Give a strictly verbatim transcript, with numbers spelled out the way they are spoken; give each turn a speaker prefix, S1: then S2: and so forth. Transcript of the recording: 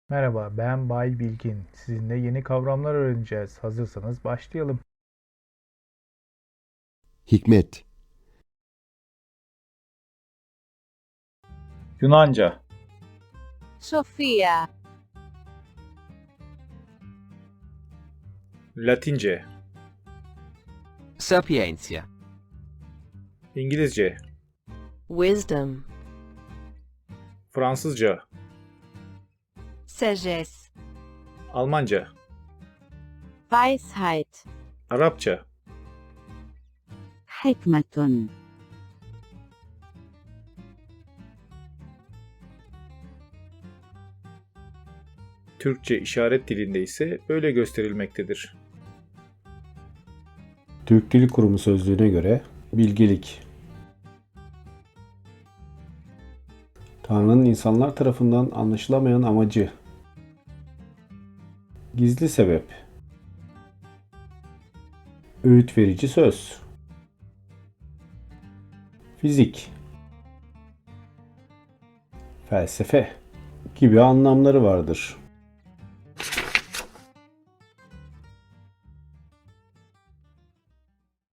S1: Merhaba, ben Bay Bilgin. Sizinle yeni kavramlar öğreneceğiz. Hazırsanız başlayalım.
S2: Hikmet,
S1: Yunanca,
S3: Sofia,
S1: Latince,
S4: Sapientia.
S1: İngilizce,
S3: wisdom,
S1: Fransızca,
S3: sagesse,
S1: Almanca,
S3: Weisheit,
S1: Arapça,
S3: hikmetun,
S1: Türkçe işaret dilinde ise böyle gösterilmektedir.
S2: Türk Dil Kurumu sözlüğüne göre bilgelik. Tanrı'nın insanlar tarafından anlaşılamayan amacı. Gizli sebep. Öğüt verici söz. Fizik. Felsefe gibi anlamları vardır.